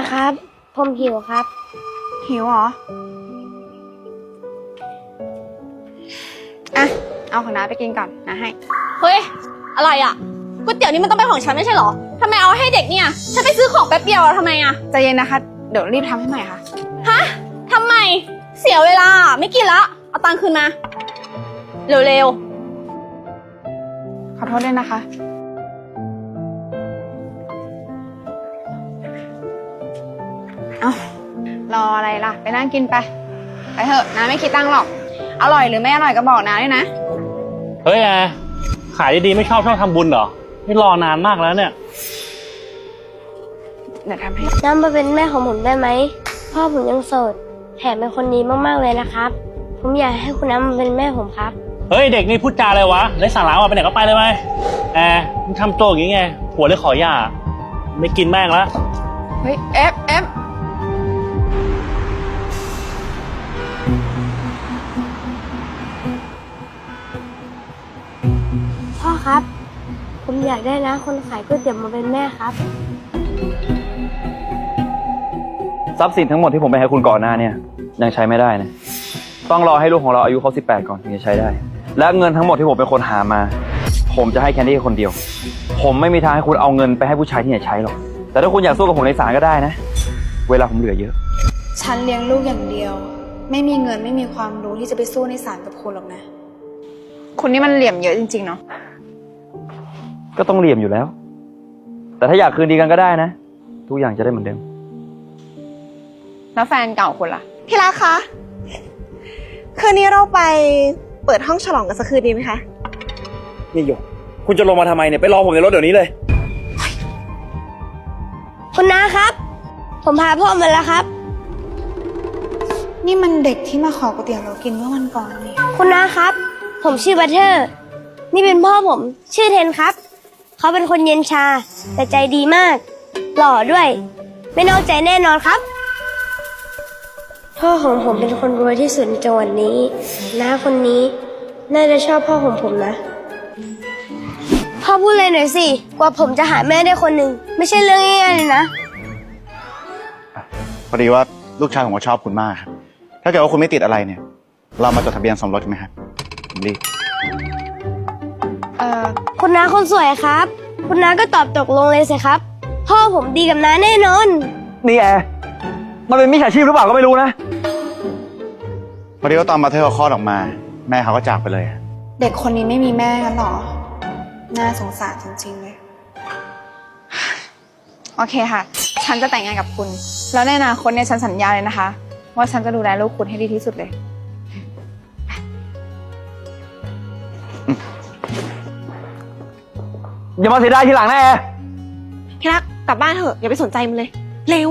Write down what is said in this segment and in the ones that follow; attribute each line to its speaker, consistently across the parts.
Speaker 1: ครับผมหิวครับ
Speaker 2: หิวเหรออ่ะเอาของน้าไปกินก่อนนะให้
Speaker 3: เฮ้ยอะไรอ่ะก๋วยเตี๋ยวนี่มันต้องเป็นของฉันไม่ใช่เหรอทำไมเอาให้เด็กเนี่ยฉันไปซื้อของแป๊บเดียวทำไมอ่ะ
Speaker 2: ใจเย็นนะคะเดี๋ยวรีบทำให้ใหม่ค่ะ
Speaker 3: ฮะทำไมเสียเวลาไม่กินละเอาตังค์คืนมาเร็ว
Speaker 2: ขอโทษด้วยนะคะเอารออะไรล่ะไปนั่งกินไปเถอะน้าไม่คิดตังค์หรอกอร่อยหรือไม่อร่อยก็บอกน้าด้วยนะ
Speaker 4: เฮ้ยแอร์ขายดีๆไม่ชอบทำบุญเหรอนี่รอนานมากแล้วเนี่ย
Speaker 2: เดี๋ยวทำให้
Speaker 1: น้ำมาเป็นแม่ของผมได้ไหมพ่อผมยังโสดแถมเป็นคนดีมากๆเลยนะครับผมอยากให้คุณน้ำมาเป็นแม่ผมครับ
Speaker 4: เฮ้ยเด็กนี่พูดจาอะไรวะไร้สาระว่ะไปไหนก็ไปเลยไหมแอร์มึงทำตัวอย่างงี้ไงหัวเลยขอหย่าไม่กินแม่งแล้ว
Speaker 2: เฮ้ยเอฟ
Speaker 1: พ่อครับผมอยากได้นะคนขายก๋วยเตี๋ยวมาเป็นแม่ครับ
Speaker 5: ทรัพย์สินทั้งหมดที่ผมไปให้คุณก่อนหน้าเนี่ยยังใช้ไม่ได้นะต้องรอให้ลูกของเราอายุครบ18ก่อนถึงจะใช้ได้และเงินทั้งหมดที่ผมเป็นคนหามาผมจะให้แคนดี้คนเดียวผมไม่มีทางให้คุณเอาเงินไปให้ผู้ชายที่ไหนใช้หรอกแต่ถ้าคุณอยากสู้กับผมในศาลก็ได้นะเวลาผมเหลือเยอะ
Speaker 2: ฉันเลี้ยงลูกอย่างเดียวไม่มีเงินไม่มีความรู้ที่จะไปสู้ในศาลกับคุณหรอกนะคุณนี่มันเหลี่ยมเยอะจริงๆเนาะ
Speaker 5: ก็ต้องเหลี่ยมอยู่แล้วแต่ถ้าอยากคืนดีกันก็ได้นะทุกอย่างจะได้เหมือนเดิม
Speaker 2: แล้วแฟนเก่าคุณล่ะ
Speaker 6: พี่รักคะคืนนี้เราไปเปิดห้องฉลองกันสักคืนดีไหมคะ
Speaker 5: นี่หยกคุณจะลงมาทำไมเนี่ยไปรอผมในรถเดี๋ยวนี้เลย
Speaker 1: คุณน้าครับผมพาพ่อมาแล้วครับ
Speaker 2: นี่มันเด็กที่มาขอก๋วยเตี๋ยวเรากินเมื่อวันก่อนนี่
Speaker 1: คุณน้าครับผมชื่อบัตเทอร์นี่เป็นพ่อผมชื่อเทนครับเขาเป็นคนเย็นชาแต่ใจดีมากหล่อด้วยไม่นอกใจแน่นอนครับพ่อของผมเป็นคนรวยที่สุดในจังหวัดนี้น้าคนนี้น่าจะชอบพ่อของผมนะพ่อพูดเลยหน่อยสิกว่าผมจะหาแม่ได้คนหนึ่งไม่ใช่เรื่องง่ายๆเลยนะ
Speaker 7: พอดีว่าลูกชายผมก็ชอบคุณมากครับถ้าเกิดว่าคุณไม่ติดอะไรเนี่ยเรามาจดทะเบียนสมรสกันไหมครับผมรีบ
Speaker 1: คุณน้าคนสวยครับคุณน้าก็ตอบตกลงเลยสิครับพ่อผมดีกับน้าแน่นอน
Speaker 5: นี่แอร์มันเป็นมิจฉาชีพหรือเปล่าก็ไม่รู้นะ
Speaker 7: พอดีว่าตอนมาเธอเขาคลอดออกมาแม่เขาก็จากไปเลย
Speaker 2: เด็กคนนี้ไม่มีแม่กันหรอน่าสงสารจริงๆเลยโอเคค่ะฉันจะแต่งงานกับคุณแล้วในอนาคตเนี่ยฉันสัญญาเลยนะคะว่าฉันจะดูแลลูกคุณให้ดีที่สุดเลย
Speaker 5: อย่ามาเสียดายทีหลังนะแอร์
Speaker 6: พี่รักกลับบ้านเถอะอย่าไปสนใจมันเลยเร็ว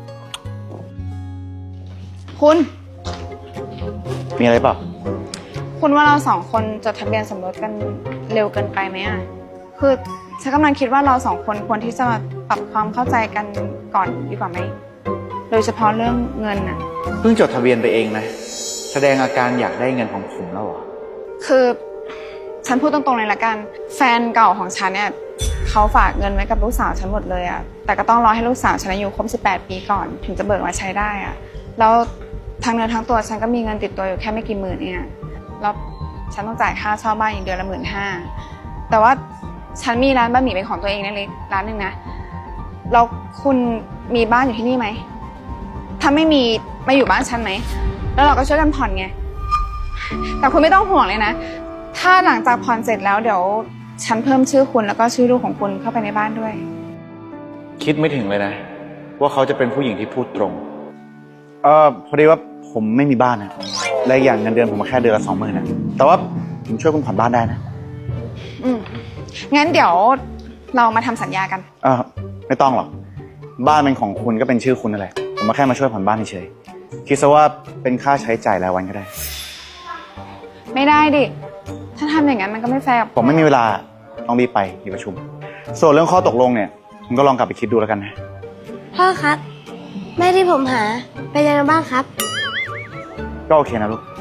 Speaker 2: คุณ
Speaker 7: มีอะไรเปล่า
Speaker 2: คุณว่าเราสองคนจดทะเบียนสมรสกันเร็วเกินไปไหมอ่ะคือฉันกำลังคิดว่าเราสองคนควรที่จะปรับความเข้าใจกันก่อนดีกว่าไหมโดยเฉพาะเรื่องเงินอ่ะ
Speaker 7: เพิ่งจดทะเบียนไปเองนะแสดงอาการอยากได้เงินของผมแล้วเหรอ
Speaker 2: คือฉันพูดตรงๆเลยละกันแฟนเก่าของฉันเนี่ยเขาฝากเงินไว้กับลูกสาวฉันหมดเลยอ่ะแต่ก็ต้องรอให้ลูกสาวฉันอายุครบ18 ปีก่อนถึงจะเบิกมาใช้ได้อ่ะแล้วทั้งเนื้อทั้งตัวฉันก็มีเงินติดตัวอยู่แค่ไม่กี่หมื่นเองอ่ะแล้วฉันต้องจ่ายค่าเช่าบ้านอีกเดือนละ15,000แต่ว่าฉันมีร้านบะหมี่เป็นของตัวเองเล็กๆร้านนึงนะแล้วคุณมีบ้านอยู่ที่นี่ไหมถ้าไม่มีมาอยู่บ้านฉันไหมแล้วเราก็ช่วยกันผ่อนไงแต่คุณไม่ต้องห่วงเลยนะถ้าหลังจากผ่อนเสร็จแล้วเดี๋ยวฉันเพิ่มชื่อคุณแล้วก็ชื่อลูกของคุณเข้าไปในบ้านด้วย
Speaker 7: คิดไม่ถึงเลยนะว่าเขาจะเป็นผู้หญิงที่พูดตรงพอดีว่าผมไม่มีบ้านนะและอย่างเงินเดือนผมแค่เดือนละ20,000นะแต่ว่าผมช่วยคุณผ่อนบ้านได้นะ
Speaker 2: งั้นเดี๋ยวเรามาทำสัญญากัน
Speaker 7: ไม่ต้องหรอกบ้านเป็นของคุณก็เป็นชื่อคุณนั่นแหละผมมาแค่มาช่วยผ่อนบ้านเฉยคิดซะว่าเป็นค่าใช้จ่ายรายวันก็ได้
Speaker 2: ไม่ได้ดิถ้าทำอย่างนั้นมันก็ไม่แฟร์
Speaker 7: ผมไม่มีเวลาต้องรีบไปมีประชุมส่วนเรื่องข้อตกลงเนี่ยผมก็ลองกลับไปคิดดูแล้วกันนะ
Speaker 1: พ่อครับแม่ที่ผมหาไปยังไงบ้างครับ
Speaker 7: ก็โอเคนะลูก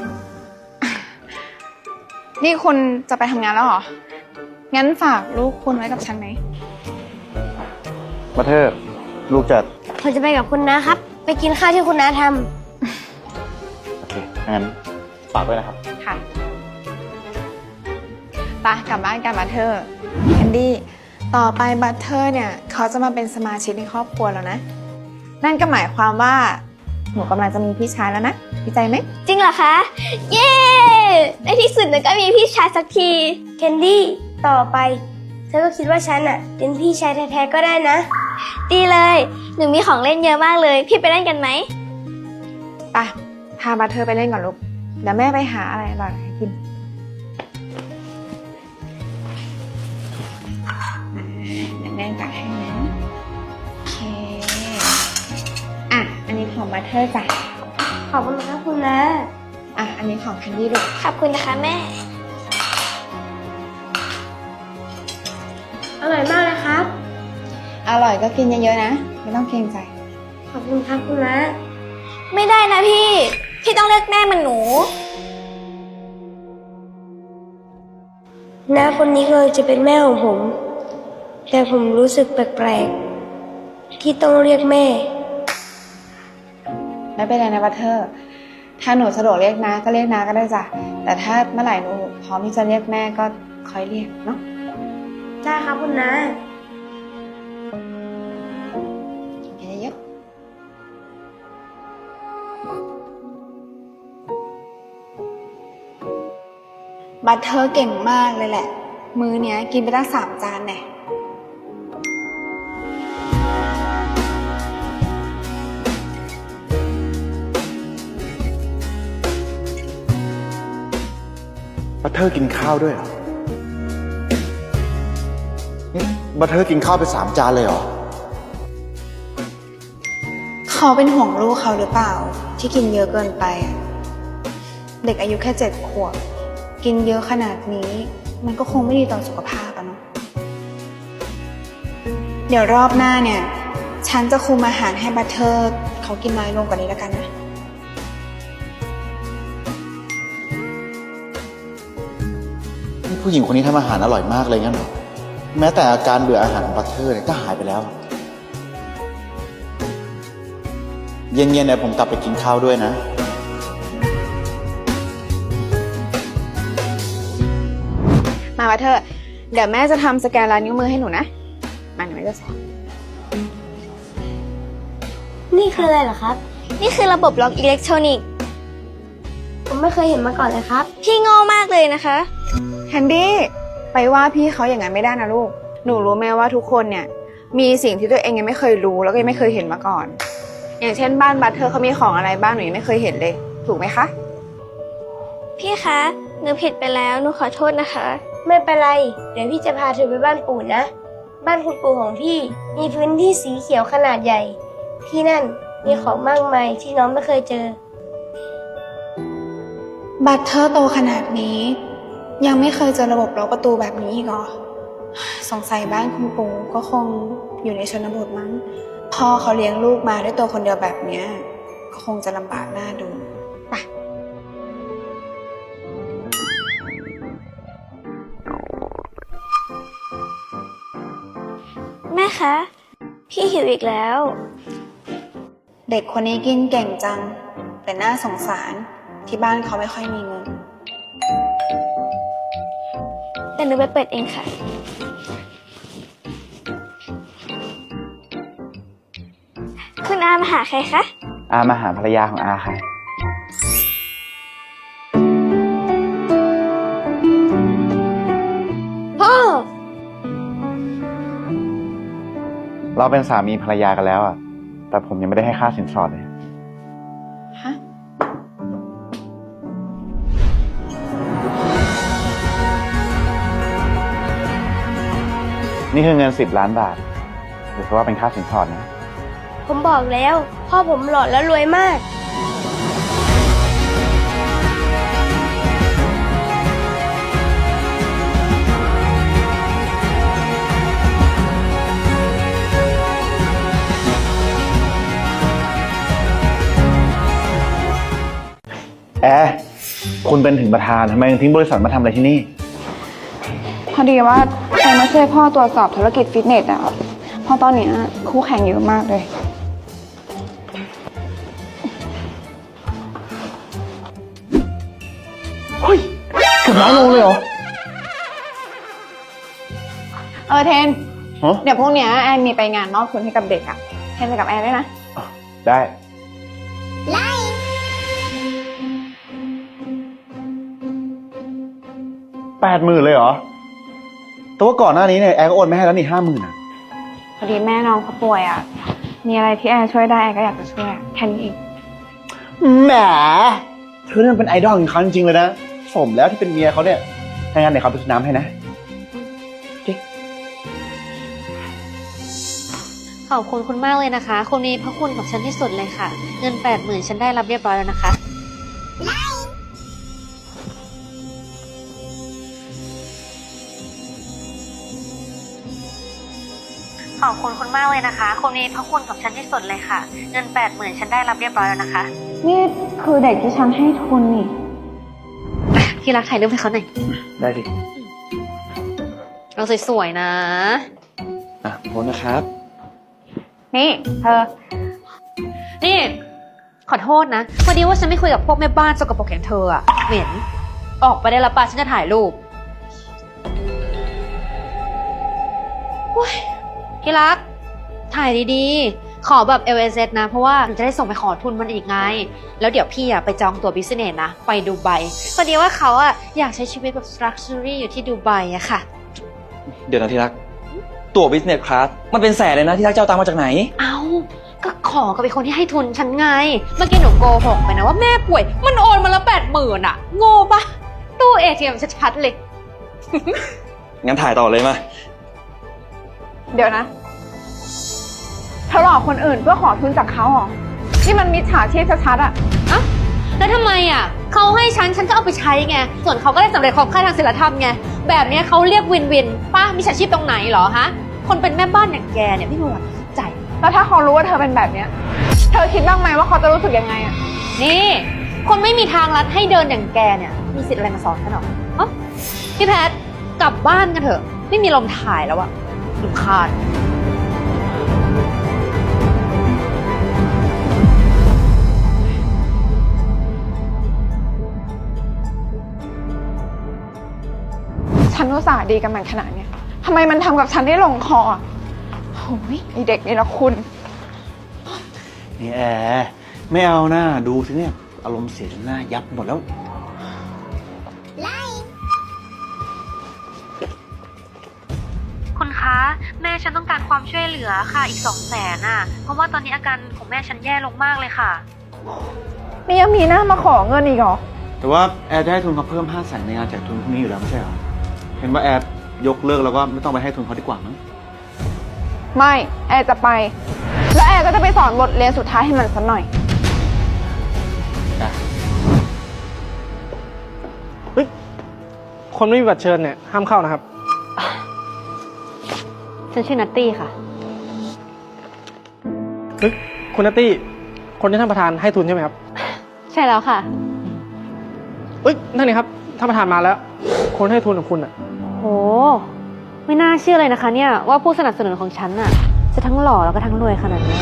Speaker 2: นี่คุณจะไปทำงานแล้วเหรองั้นฝากลูกคุณไว้กับฉันไหม
Speaker 7: มาเธอลูกจะ
Speaker 1: ผมจะไปกับคุณนะครับ ไปกินข้าวที่คุณน้าท
Speaker 7: โอเคงั้นฝากด้วยนะครับ
Speaker 2: ค่ะไปกลับบ้านกันบัตเทอร์แคนดี้ต่อไปบัตเทอร์เนี่ยเขาจะมาเป็นสมาชิกในครอบครัวแล้วนะ นั่นก็หมายความว่าหนูกำลังจะมีพี่ชายแล้วนะดีใจไหม
Speaker 3: จริงเหรอคะ เย้ในที่สุดหนูก็มีพี่ชายสักที
Speaker 1: ำแคนดี้ต่อไปเธอก็คิดว่าฉันเป็นพี่ชายแท้ๆก็ได้นะ
Speaker 3: ดีเลย หนูมีของเล่นเยอะมากเลย พี่ไปเล่นกันไหม
Speaker 2: ไปพาบัตเทอร์ไปเล่นก่อนลูกเดี๋ยวแม่ไปหาอะไรอร่อยๆให้กินเดี๋ยวแม่ตักให้นะโอเคอ่ะอันนี้ของบัตเทอร์จ้ะ
Speaker 1: ขอบคุณครับคุณน้า
Speaker 2: อ่ะอันนี้ของแคนดี้ลูก
Speaker 3: ขอบคุณนะคะแม่
Speaker 1: อร่อยมากเลยครับ
Speaker 2: อร่อยก็กินเยอะๆนะไม่ต้องเกรงใจ
Speaker 1: ขอบคุณครับคุณน้า
Speaker 3: ไม่ได้นะพี่ พี่ต้องเลือกแม่มันหนู
Speaker 1: น้าคนนี้เคยจะเป็นแม่ของผม แต่ผมรู้สึกแปลกๆที่ต้องเรียกแม่
Speaker 2: ไม่เป็นไรนะบัตเทอร์ถ้าหนูสะดวกเรียกน้าก็เรียกน้าก็ได้จ้ะแต่ถ้าเมื่อไหร่หนูพร้อมที่จะเรียกแม่ก็ค่อยเรียกเนาะ
Speaker 1: ได้ครับคุณน้า
Speaker 2: กินเยอะบัตเทอร์เก่งมากเลยแหละ มื้อเนี้ยกินไปตั้ง3 จานแน่
Speaker 7: บัตเทอร์กินข้าวด้วยเหรอนี่บัตเทอร์กินข้าวไป3 จานเลยเหรอ
Speaker 2: เขาเป็นห่วงลูกเขาหรือเปล่า ที่กินเยอะเกินไปอะเด็กอายุแค่7 ขวบกินเยอะขนาดนี้ มันก็คงไม่ดีต่อสุขภาพอะเนาะเดี๋ยวรอบหน้าเนี่ย ฉันจะคุมอาหารให้บัตเทอร์เขากินน้อยลงกว่านี้แล้วกันนะ
Speaker 7: นี่ผู้หญิงคนนี้ทำอาหารอร่อยมากเลยงั้นเหรอ แม้แต่อาการเบื่ออาหารของบัตเทอร์เนี่ยก็หายไปแล้ว เย็นๆเนี่ยผมกลับไปกินข้าวด้วยนะ
Speaker 2: มาบัตเทอร์เดี๋ยวแม่จะทำสแกนลายนิ้วมือให้หนูนะมาหนูจะสอน
Speaker 1: นี่คืออะไรเหรอครับ
Speaker 3: นี่คือระบบล็อกอิเล็กทรอนิกส์
Speaker 1: ผมไม่เคยเห็นมาก่อนเลยครับ
Speaker 3: พี่โง่มากเลยนะคะ
Speaker 2: แคนดี้ไปว่าพี่เขาอย่างนั้นไม่ได้นะลูกหนูรู้ไหมว่าทุกคนเนี่ยมีสิ่งที่ตัวเองยังไม่เคยรู้แล้วก็ยังไม่เคยเห็นมาก่อน อย่างเช่นบ้านบัตเทอร์เขามีของอะไรบ้างหนูยังไม่เคยเห็นเลย ถูกไหมคะ
Speaker 3: พี่คะ หนูผิดไปแล้ว หนูขอโทษนะคะ
Speaker 1: ไม่เป็นไร เดี๋ยวพี่จะพาเธอไปบ้านปู่นะ บ้านคุณปู่ของพี่มีพื้นที่สีเขียวขนาดใหญ่ ที่นั่นมีของมากมายที่น้องไม่เคยเจอ
Speaker 2: บัตเทอร์โตขนาดนี้ ยังไม่เคยเจอระบบล็อกประตูแบบนี้อีกเหรอสงสัยบ้านคุณปู่ก็คงอยู่ในชนบทมั้งพ่อเขาเลี้ยงลูกมาด้วยตัวคนเดียวแบบเนี้ยก็คงจะลำบากน่าดูไป
Speaker 3: แม่คะ พี่หิวอีกแล้ว
Speaker 2: เด็กคนนี้กินเก่งจัง แต่น่าสงสารที่บ้านเขาไม่ค่อยมีเงิน
Speaker 3: แต่หนูไปเปิดเองค่ะ คุณอามาหาใครคะ
Speaker 5: อามาหาภรรยาของอาค่ะ
Speaker 1: พ่อ
Speaker 5: เราเป็นสามีภรรยากันแล้วอ่ะ แต่ผมยังไม่ได้ให้ค่าสินสอดเลย
Speaker 2: ฮะ
Speaker 5: นี่คือเงิน10 ล้านบาทถือว่าเป็นค่าสินสอดนะ
Speaker 1: ผมบอกแล้ว พ่อผมหล่อและรวยมาก
Speaker 7: แอร์คุณเป็นถึงประธานทำไมยังทิ้งบริษัทมาทำอะไรที่นี่
Speaker 2: พอดีว่าฉันมาช่วยพ่อตรวจสอบธุรกิจฟิตเนสอะเพราะตอนเนี้ยคู่แข่งเยอะมากเลย
Speaker 7: เฮ้ยเกือบ100 โลเลยเหรอ
Speaker 2: เทน
Speaker 7: ฮะ
Speaker 2: เดี๋ยวพรุ่งเนี้ยแอนมีไปงานมอบทุนให้กับเด็กอะเทนไปกับแอนด้วยนะ
Speaker 7: ได้ 80,000เลยเหรอ แต่ว่าก่อนหน้านี้เนี่ยแอร์ก็โอนไม่ให้แล้วนี่50,000อ่ะ
Speaker 2: พอดีแม่น้องเขาป่วยอะมีอะไรที่แอนช่วยได้แอนก็อยากจะช่วยอะแค่นี้เอง
Speaker 7: แหมเธอเนี่ยเป็นไอดอลของเขาจริงๆเลยนะ สมแล้วที่เป็นเมียเขาเนี่ยถ้างั้นเดี๋ยวเขาไปซื้อน้ำให้นะ
Speaker 8: ขอบคุณคุณมากเลยนะคะ คุณมีพระคุณกับฉันที่สุดเลยค่ะ เงิน 80,000 ฉันได้รับเรียบร้อยแล้วนะคะ ขอบคุณคุณมากเลยนะคะ คุณมีพระคุณกับฉันที่สุดเลยค่ะ เงิน 80,000 ฉันได้รับเรียบร้อยแล้วนะคะ
Speaker 2: นี่คือเด็กที่ฉันให้ทุนนี่
Speaker 8: ที่รักถ่ายรูปให้เขาหน่อย
Speaker 5: ได้ดิ
Speaker 8: เราสวยๆนะ
Speaker 5: โทษนะครับ
Speaker 2: นี่เธอ
Speaker 8: นี่ ขอโทษนะพอดีว่าฉันไม่คุยกับพวกแม่บ้านสกปรกอย่างเธออะเหม็น ออกไปได้ละป่ะฉันจะถ่ายรูปโอ้ยที่รัก ถ่ายดีๆ ขอแบบ LSS นะ เพราะว่าหนูจะได้ส่งไปขอทุนมันอีกไง แล้วเดี๋ยวพี่อะไปจองตั๋วบิสเนสนะ ไปดูไบพอดีว่าเขาอะอยากใช้ชีวิตแบบ luxury อยู่ที่ดูไบอะค่ะ
Speaker 5: เดี๋ยวนะที่รัก ตั๋ว business class มันเป็นแสนเลยนะที่รักเจ้าตังค์มาจากไหน
Speaker 8: เอาก็ขอกับไอ้คนที่ให้ทุนฉันไง เมื่อกี้หนูโกหกไปนะว่าแม่ป่วย มันโอนมาแล้ว80,000อะโง่ปะตู้ ATM ชัดๆเลย
Speaker 5: งั้นถ่ายต่อเลยมา
Speaker 2: เดี๋ยวนะเธอหลอกคนอื่นเพื่อขอทุนจากเขาเหรอ นี่มันมิจฉาชีพชัดๆอะ
Speaker 8: เอ้าแล้วทำไมอ่ะเขาให้ฉันก็เอาไปใช้ไง ส่วนเขาก็ได้สำเร็จความใคร่ทางศีลธรรมไง แบบเนี้ยเขาเรียกวินวินป้ามีอาชีพตรงไหนเหรอฮะ คนเป็นแม่บ้านอย่างแกเนี่ยไม่มีวันใจ
Speaker 2: แล้วถ้าเขารู้ว่าเธอเป็นแบบเนี้ย เธอคิดบ้างไหมว่าเขาจะรู้สึกยังไงอะ
Speaker 8: นี่ คนไม่มีทางลัดให้เดินอย่างแกเนี่ย มีสิทธิ์อะไรมาสอนฉันหรอเอ้าพี่แพทกลับบ้านกันเถอะ ไม่มีลมถ่ายแล้วอะรำคาญ
Speaker 2: ฉันอุตส่าห์ดีกับมันขนาดเนี้ยทำไมมันทำกับฉันได้ลงคออะโอ้ยไอเด็กนี่ละคุณ
Speaker 7: นี่แอร์ไม่เอาหน้าดูสิเนี่ย อารมณ์เสียจนหน้ายับหมดแล้ว
Speaker 8: คุณคะแม่ฉันต้องการความช่วยเหลือค่ะอีก200,000น่ะเพราะว่าตอนนี้อาการของแม่ฉันแย่ลงมากเลยค่ะ
Speaker 2: นี่ยังมีหน้ามาขอเงินอีกเหรอ
Speaker 7: แต่ว่าแอร์จะให้ทุนเขาเพิ่ม500,000ในงานแจกทุนพรุ่งนี้อยู่แล้วไม่ใช่เหรอ เห็นว่าแอร์ยกเลิกแล้วก็ไม่ต้องไปให้ทุนเขาดีกว่ามั้ง
Speaker 2: ไม่ แอร์จะไป แล้วแอร์ก็จะไปสอนบทเรียนสุดท้ายให้มันสักหน่อย
Speaker 9: คนไม่มีบัตรเชิญเนี่ยห้ามเข้านะครับ
Speaker 8: ฉันชื่อนัตตี้ค่ะ
Speaker 9: เฮ้ยคุณนัตตี้ คนที่ท่านประธานให้ทุนใช่ไหมครับ
Speaker 8: ใช่แล้วค่ะ
Speaker 9: เอ้ยนั่นนี่ครับท่านประธานมาแล้ว คนให้ทุนของคุณอ่ะ
Speaker 8: โหไม่น่าเชื่อเลยนะคะเนี่ยว่าผู้สนับสนุนของฉันน่ะจะทั้งหล่อแล้วก็ทั้งรวยขนาดนี้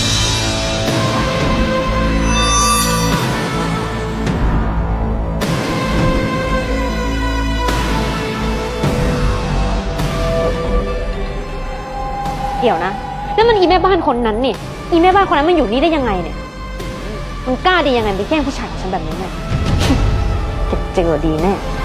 Speaker 8: เดี๋ยวนะนั่นมันอีแม่บ้านคนนั้นนี่อีแม่บ้านคนนั้นมันอยู่นี่ได้ยังไงเนี่ยมันกล้าดียังไงไปแย่งผู้ชายของฉันแบบนี้เนี่ย เจ็บเจอดีแน่